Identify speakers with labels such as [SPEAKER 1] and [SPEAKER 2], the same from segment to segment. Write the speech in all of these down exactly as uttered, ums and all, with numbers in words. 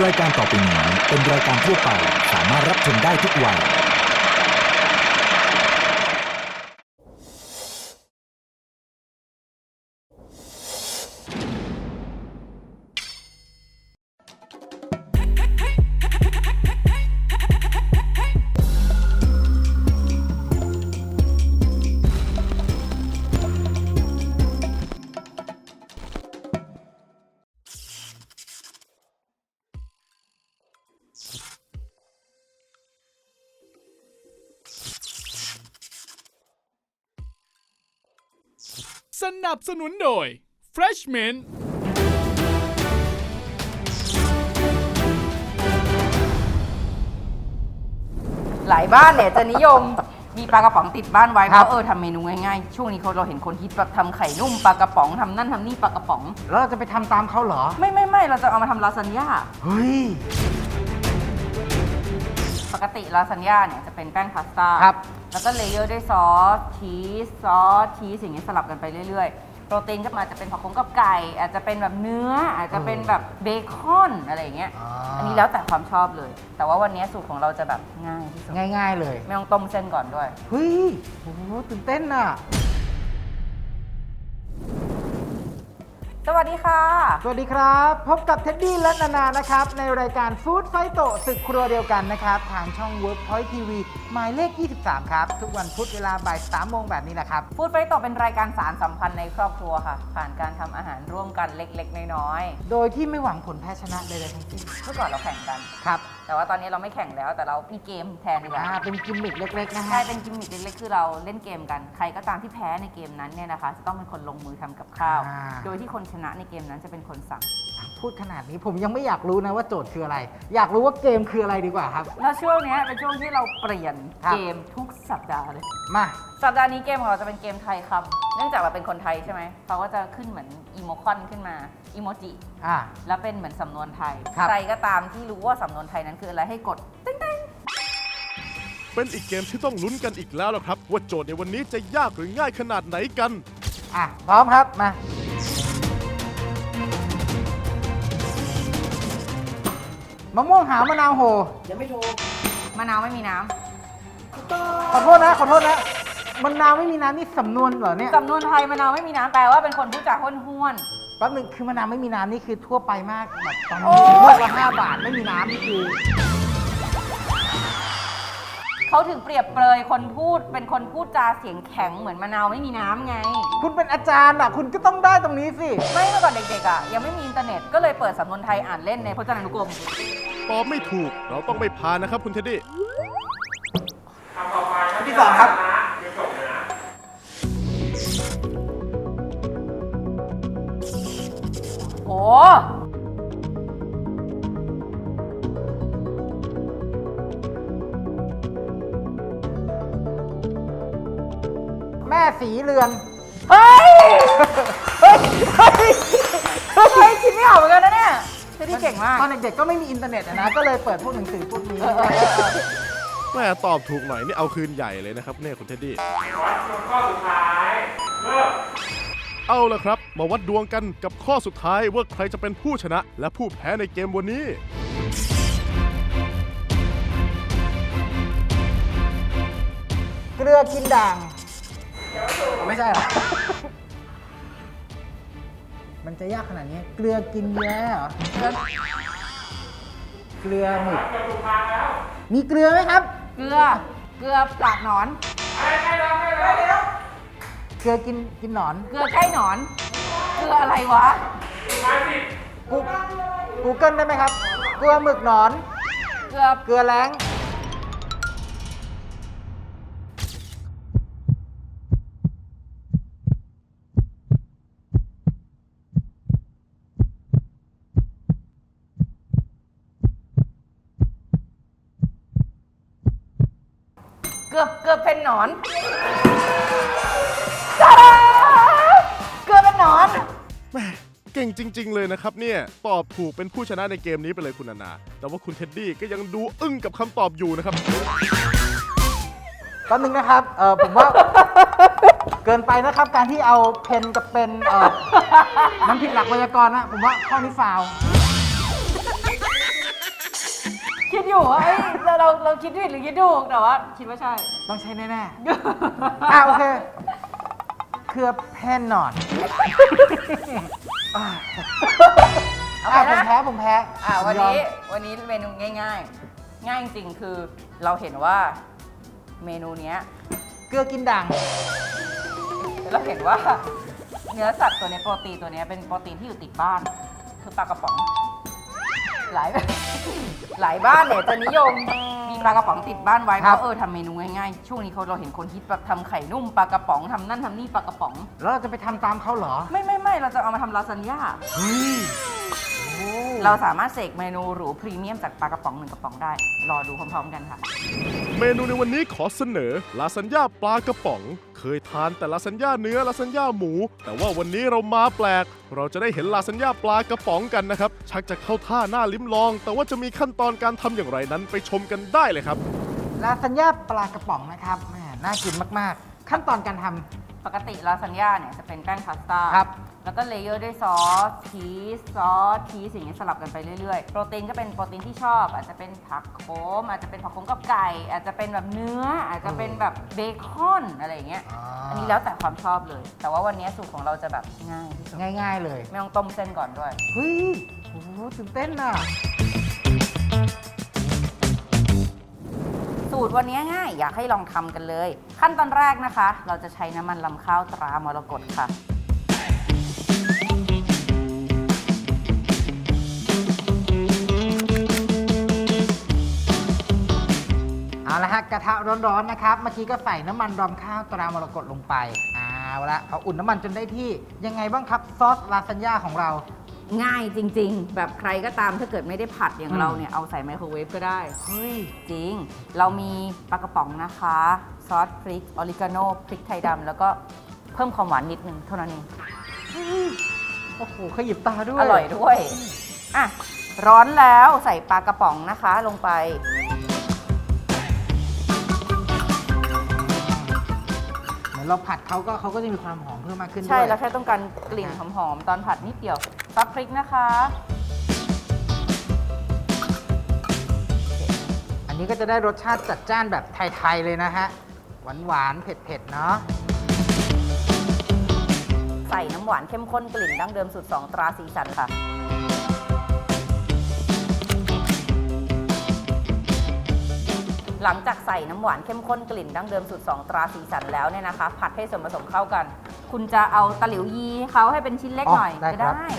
[SPEAKER 1] รายการต่อไปนี้เป็นรายการทั่วไปสามารถรับชมได้ทุกวัย
[SPEAKER 2] สนับสนุนโดย Freshman
[SPEAKER 3] หลายบ้านเนี่ยจะนิยมมีปลากระป๋องติดบ้านไว้เพราะเออทำเมนูง่ายๆช่วงนี้เขาเราเห็นคนฮิตแบบทำไข่นุ่มปลากระป๋องทำนั่นทำนี่ปลากระป๋อง
[SPEAKER 4] แล้วเราจะไปทำตามเขาเหรอ
[SPEAKER 3] ไม่ไม่ไม่เราจะเอามาทำลาซานญ่า
[SPEAKER 4] เฮ้ย
[SPEAKER 3] ปกติลาซานญ่าเนี่ยจะเป็นแป้งพาสต้า
[SPEAKER 4] ครับ
[SPEAKER 3] แล้วก็เลเยอร์ด้วยซอสชีสซอสชีสอย่างเงี้ยสลับกันไปเรื่อยๆโปรตีนก็มาจะเป็นผักขมกับไก่ อาจจะเป็นแบบเนื้ออาจจะเป็นแบบเบคอนอะไรอย่างเงี้ย
[SPEAKER 4] อ่า
[SPEAKER 3] อันนี้แล้วแต่ความชอบเลย แต่ว่าวันนี้สูตรของเราจะแบบง่ายที่สุด
[SPEAKER 4] ง่ายๆเลย
[SPEAKER 3] ไม่ต้องต้มเส้นก่อนด้วย
[SPEAKER 4] เฮ้ยโอ้โหตื่นเต้นอ่ะ
[SPEAKER 3] สวัสดีค่ะ
[SPEAKER 4] สวัสดีครับ พบกับเท็ดดี้และนานานะครับ ในรายการฟู้ดไฟโตศึกครัวเดียวกันนะครับ ทางช่อง Workpoint ที วี หมายเลข ยี่สิบสาม ครับ ทุกวันพุธเวลาบ่ายสามโมงแบบนี้แหละครับ
[SPEAKER 3] ฟู้ดไฟโตเป็นรายการสารสัมพันธ์ในครอบครัวค่ะ ผ่านการทำอาหารร่วมกันเล็กๆน้อย
[SPEAKER 4] โดยที่ไม่หวังผลแพ้ชนะใดๆทั้งสิ้น
[SPEAKER 3] ๆเมื่อก่อนเราแข่งกัน
[SPEAKER 4] ครับ
[SPEAKER 3] แต่ว่าตอนนี้เราไม่แข่งแล้วแต่เรามีเกมแทนดีกว่า
[SPEAKER 4] อ่าเป็นกิมมิคเล็กๆนะ
[SPEAKER 3] ใช่
[SPEAKER 4] ฮะ
[SPEAKER 3] เป็นกิมมิคเล็กๆคือเราเล่นเกมกัน ใครก็ตามที่แพ้ในเกมนั้นเนี่ยนะคะ จะต้องเป็นคนลงมือทำกับข้าว
[SPEAKER 4] อ่า
[SPEAKER 3] โดยที่คนชนะในเกมนั้นจะเป็นคนสั่ง
[SPEAKER 4] พูดขนาดนี้ผมยังไม่อยากรู้นะว่าโจทย์คืออะไร อยากรู้ว่าเกมคืออะไรดีกว่าครับ
[SPEAKER 3] แล้วช่วงเนี้ยเป็นช่วงที่เราเปลี่ยน
[SPEAKER 4] ครับ
[SPEAKER 3] เกมทุกสัปดาห์เลย
[SPEAKER 4] มา
[SPEAKER 3] สัปดาห์นี้เกมของเราจะเป็นเกมไทยคำเนื่องจากเราเป็นคนไทยใช่ไหมเขาก็จะขึ้นเหมือนอีโมคอนขึ้นมาอีโมจิ
[SPEAKER 4] อ่า
[SPEAKER 3] แล้วเป็นเหมือนสำนวนไทย
[SPEAKER 4] ครับ
[SPEAKER 3] ใครก็ตามที่รู้ว่าสำนวนไทยนั้นคืออะไรให้กดติ๊งติ๊ง
[SPEAKER 2] เป็นอีกเกมที่ต้องลุ้นกันอีกแล้วล่ะครับ ว่าโจทย์ในวันนี้จะยากหรือง่ายขนาดไหนกัน
[SPEAKER 4] อ่ะพร้อมครับมามะม่วงหาวมะนาวโห
[SPEAKER 3] มะนาวไม่มีน้
[SPEAKER 4] ขอโทษนะ ขอโทษนะมะนาวไม่มีน้ำนี่สำนวนเหรอเนี่ย
[SPEAKER 3] ำสำนวนไทยมะนาวไม่มีน้ำแปลว่าเป็นคนพูดจาห้วนห้วน
[SPEAKER 4] แป๊บนึงคือมะนาวไม่มีน้ำนี่คือทั่วไปมากแบบตอน
[SPEAKER 3] โอ้
[SPEAKER 4] นี้ลูกละห้าบาทไม่มีน้ำนี่คือ
[SPEAKER 3] เขาถึงเปรียบเปรยคนพูดเป็นคนพูดจาเสียงแข็งเหมือนมะนาวไม่มีน้ำไง
[SPEAKER 4] คุณเป็นอาจารย์อ่ะ คุณก็ต้องได้ตรงนี้สิ
[SPEAKER 3] ไม่เมื่อก่อนเด็กๆอ่ะยังไม่มีอินเทอร์เน็ตก็เลยเปิดสำนวนไทยอ่านเล่นในพจนานุกรม
[SPEAKER 2] ตอบไม่ถูกเราต้องไม่พานนะครับคุณเท็ดดี้
[SPEAKER 4] ที่สองครับ
[SPEAKER 3] โอ้
[SPEAKER 4] แม่สีเรือน
[SPEAKER 3] เฮ้ย เฮ้ย เฮ้ยเฮ้ยคิดไม่ออกเหมือนกันนะเนี่ยเฮ้ยที่เก่งมาก
[SPEAKER 4] ตอนเด็กๆก็ไม่มีอินเทอร์เน็ตอะนะ ก็เลยเปิดพวกหนังสือพวกนี้
[SPEAKER 3] เออเออเออเออ
[SPEAKER 2] แม่ตอบถูกหน่อยนี่เอาคืนใหญ่เลยนะครับเนี่ยคุณเท็ดดี้เอาละครับ มาวัดดวงกันกับข้อสุดท้ายว่าใครจะเป็นผู้ชนะ และผู้แพ้ในเกมวันนี้
[SPEAKER 4] เกลือกินด่าง ไม่ใช่เหรอ มันจะยากขนาดนี้ เกลือกินแย้เหรอ เกลือหมึกมีเกลือไหมครับ
[SPEAKER 3] เกลือ เกลือปลากหนอน
[SPEAKER 4] เกลือกินกินหนอน
[SPEAKER 3] เกลือใกล้หนอน เกลืออะไรวะ
[SPEAKER 4] กูกูเกิลได้ไหมครับ เกลือหมึกหนอน
[SPEAKER 3] เกลือ
[SPEAKER 4] เกลือแล้ง
[SPEAKER 3] เกือบเกือบเป็นหนอนตาดาเกือบเป็นหนอน
[SPEAKER 2] แม่เก่งจริง ๆ เลยนะครับเนี่ยตอบถูกเป็นผู้ชนะในเกมนี้ไปเลยคุณนานา แต่ว่าคุณเท็ดดี้ก็ยังดูอึ้งกับคำตอบอยู่นะครับ
[SPEAKER 4] แป๊บนึงนะครับ เออผมว่า เกินไปนะครับ การที่เอาเพนกับเป็นเออมันผิดหลักไวยากรณ์นะ ผมว่าข้อนี้ฟาวล์
[SPEAKER 3] คิดอยู่ว่าเอ้ยเราเราเราคิดผิดหรือคิดถูกแต่ว่าคิดว่าใช่
[SPEAKER 4] ต้องใช้แน่ๆ อ่ะโอเค เครือแพนนอนอ่ะ
[SPEAKER 3] เอา
[SPEAKER 4] อ่ะ
[SPEAKER 3] ไป
[SPEAKER 4] ผม
[SPEAKER 3] นะ
[SPEAKER 4] แพ้ผมแพ้
[SPEAKER 3] อ่าวัน
[SPEAKER 4] ยอม
[SPEAKER 3] นี้วันนี้เมนูง่ายๆ ง่ายจริงๆคือเราเห็นว่าเมนูเนี้ย
[SPEAKER 4] เกลือกินด่าง
[SPEAKER 3] เราเห็นว่าเนื้อสัตว์ตัวเนี้ยโปรตีนตัวเนี้ยเป็นโปรตีนที่อยู่ติดบ้าน คือปลากระป๋องหลาย หลายบ้านเนี่ยจะนิยมมีปลากระป๋องติดบ้านไว้เพ
[SPEAKER 4] ครับ
[SPEAKER 3] ราะเออทำเมนูง่ายๆช่วงนี้เขาเราเห็นคนฮิตแบบทำไข่นุ่มปลากระป๋องทำนั่นทำนี่ปลากระป๋อง
[SPEAKER 4] แล้วเราจะไปทำตามเขาเหรอ
[SPEAKER 3] ไม่ไม่ไม่เราจะเอามาทำลาซานญ่า
[SPEAKER 4] เฮ้ยโอ้
[SPEAKER 3] เราสามารถเสกเมนูหรูพรีเมียมจากปลากระป๋องหนึ่งกระป๋องได้ รอดูพร้อมๆกันค่ะ
[SPEAKER 2] เมนูในวันนี้ขอเสนอลาซานญ่าปลากระป๋อง เคยทานแต่ลาซานญ่าเนื้อลาซานญ่าหมู แต่ว่าวันนี้เรามาแปลก เราจะได้เห็นลาซานญ่าปลากระป๋องกันนะครับ ชักจะเข้าท่าหน้าลิ้มลอง แต่ว่าจะมีขั้นตอนการทำอย่างไรนั้นไปชมกันได้เลยครับ
[SPEAKER 4] ลาซานญ่าปลากระป๋องนะครับแหมน่ากินมากๆ ขั้นตอนการทำ
[SPEAKER 3] ปกติลาซานญ่าเนี่ยจะเป็นแป้งพาสต้า
[SPEAKER 4] ครับ
[SPEAKER 3] แล้วก็เลเยอร์ด้วยซอสชีสซอสชีสอย่างเงี้ยสลับกันไปเรื่อยๆ โปรตีนก็เป็นโปรตีนที่ชอบ อาจจะเป็นผักโขมอาจจะเป็นผักโขมกับไก่ อาจจะเป็นแบบเนื้อ อาจจะเป็นแบบเบคอนอะไรอย่างเงี้ย
[SPEAKER 4] อ่า
[SPEAKER 3] อันนี้แล้วแต่ความชอบเลย แต่ว่าวันนี้สูตรของเราจะแบบง่ายที่สุด
[SPEAKER 4] ง่ายๆเลย
[SPEAKER 3] ไม่ต้องต้มเส้นก่อนด้วย
[SPEAKER 4] เฮ้ยโอ้โหตื่นเต้นอ่ะ
[SPEAKER 3] สูตรวันนี้ง่ายอยากให้ลองทำกันเลย ขั้นตอนแรกนะคะ เราจะใช้น้ำมันลำข้าวตรามรกตค่ะ
[SPEAKER 4] เอาละฮะกระทะร้อนๆนะครับ เมื่อกี้ก็ใส่น้ำมันรำข้าวตรามรกตลงไป เอาละพออุ่นน้ำมันจนได้ที่ ยังไงบ้างครับซอสลาซานญ่าของเรา
[SPEAKER 3] ง่ายจริงๆ แบบใครก็ตามถ้าเกิดไม่ได้ผัดอย่าง
[SPEAKER 4] อืม
[SPEAKER 3] เราเนี่ยเอาใส่ไมโครเวฟก็ได้
[SPEAKER 4] เฮ้ย
[SPEAKER 3] จริง เรามีปลากระป๋องนะคะ ซอสพริก ออริกาโนพริกไทยดำแล้วก็เพิ่มความหวานนิดนึงเท่านั้นเอง
[SPEAKER 4] โอ้โหขยิบตาด้วย
[SPEAKER 3] อร่อยด้วย อ่ะ ร้อนแล้วใส่ปลากระป๋องนะคะลงไป
[SPEAKER 4] เหมือนเราผัดเขาก็เขาก็จะมีความหอมเพิ่มมากขึ้นด้วย
[SPEAKER 3] ใช่แล้วแค่ต้องการกลิ่นหอมๆ ตอนผัดนิดเดียวซอสพริกนะคะ
[SPEAKER 4] อันนี้ก็จะได้รสชาติจัดจ้านแบบไทย ๆ เลยนะฮะ หวานๆ เผ็ด ๆ เนาะ
[SPEAKER 3] ใส่น้ำหวานเข้มข้นกลิ่นดั้งเดิมสูตรสองตราสีสันค่ะ หลังจากใส่น้ำหวานเข้มข้นกลิ่นดั้งเดิมสูตรสองตราสีสันแล้วเนี่ยนะคะ ผัดให้ส่วนผสมเข้ากัน คุณจะเอาตะหลิวยีให้เขาให้เป็นชิ้นเล็ก
[SPEAKER 4] อ๋อ
[SPEAKER 3] หน่อย
[SPEAKER 4] ได้
[SPEAKER 3] ก็
[SPEAKER 4] ครับ
[SPEAKER 3] ได้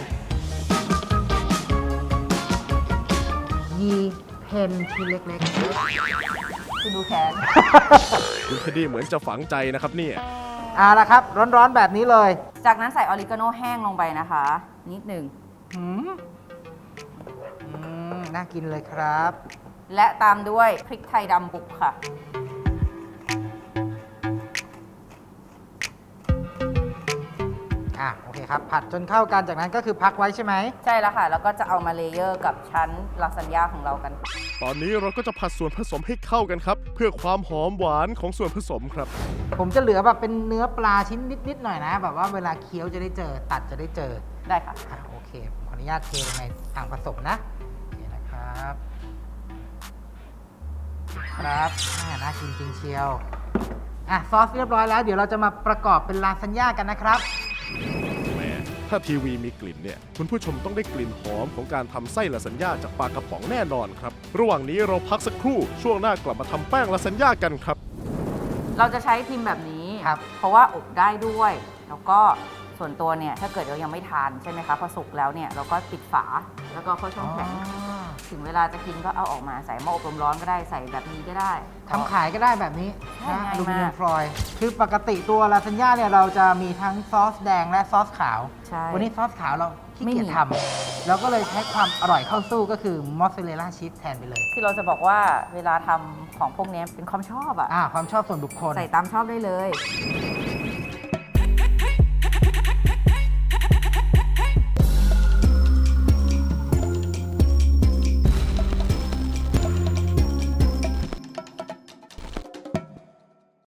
[SPEAKER 4] ยีเพนชิ้นเล็ก
[SPEAKER 3] คุณดูแขน
[SPEAKER 2] คุณเทดดี้เหมือนจะฝังใจนะครับเนี่ย
[SPEAKER 4] ๆ เอาละครับ ร้อนๆ แบบนี้เลย
[SPEAKER 3] จากนั้นใส่ออริกาโนแห้งลงไปนะคะ นิดหนึ่ง
[SPEAKER 4] หืมอืมน่ากินเลยครับ
[SPEAKER 3] และตามด้วยพริกไทยดำบุกค่ะ
[SPEAKER 4] อ่ะ โอเคครับ ผัดจนเข้ากัน จากนั้นก็คือพักไว้ใช่ไหม
[SPEAKER 3] ใช่แล้วค่ะ แล้วก็จะเอามาเลเยอร์กับชั้นลาซานญ่าของเรากัน
[SPEAKER 2] ตอนนี้เราก็จะผัดส่วนผสมให้เข้ากันครับ เพื่อความหอมหวานของส่วนผสมครับ
[SPEAKER 4] ผมจะเหลือแบบเป็นเนื้อปลาชิ้นนิด ๆ หน่อยนะ แบบว่าเวลาเคี้ยวจะได้เจอ ตัดจะได้เจอ
[SPEAKER 3] ได้ค่ะ
[SPEAKER 4] อ่ะโอเคผมขออนุญาตเทลงในอ่างผสมนะโอเคนะครับ ครับอ่าน่ากินจริงเชียว อ่ะ ซอสเรียบร้อยแล้ว เดี๋ยวเราจะมาประกอบเป็นลาซานญ่ากันนะครับ
[SPEAKER 2] แหมถ้าทีวีมีกลิ่นเนี่ย คุณผู้ชมต้องได้กลิ่นหอมของการทำไส้ลาซานญ่าจากปลากระป๋องแน่นอนครับ ระหว่างนี้เราพักสักครู่ ช่วงหน้ากลับมาทำแป้งลาซานญ่ากันครับ
[SPEAKER 3] เราจะใช้พิมพ์แบบนี้
[SPEAKER 4] ครับ
[SPEAKER 3] เพราะว่าอบได้ด้วย แล้วก็ส่วนตัวเนี่ย ถ้าเกิดเรายังไม่ทานใช่ไหมคะ พอสุกแล้วเนี่ย เราก็ปิดฝา แล้วก็เข้าช่องแข็ง ถึงเวลาจะกินก็เอาออกมาใส่หม้ออบลมร้อนก็ได้ ใส่แบบนี้ก็ได้
[SPEAKER 4] ทำขายก็ได้แบบนี้
[SPEAKER 3] ใช่
[SPEAKER 4] นะ
[SPEAKER 3] ง่ายมาก
[SPEAKER 4] อลูมิเนียมฟอยล์คือปกติตัวลาซานญ่าเนี่ยเราจะมีทั้งซอสแดงและซอสขาว
[SPEAKER 3] ใช่
[SPEAKER 4] วันนี้ซอสขาวเราขี้
[SPEAKER 3] ไม่
[SPEAKER 4] เกียจ
[SPEAKER 3] มี
[SPEAKER 4] ทำเราก็เลยใช้ความอร่อยเข้าสู้ก็คือมอสซาเรลล่าชีสแทนไปเลย
[SPEAKER 3] ที่เราจะบอกว่าเวลาทำของพวกนี้เป็นความชอบอะ
[SPEAKER 4] อ่าความชอบส่วนบุคคล
[SPEAKER 3] ใส่ตามชอบได้เลย
[SPEAKER 4] อ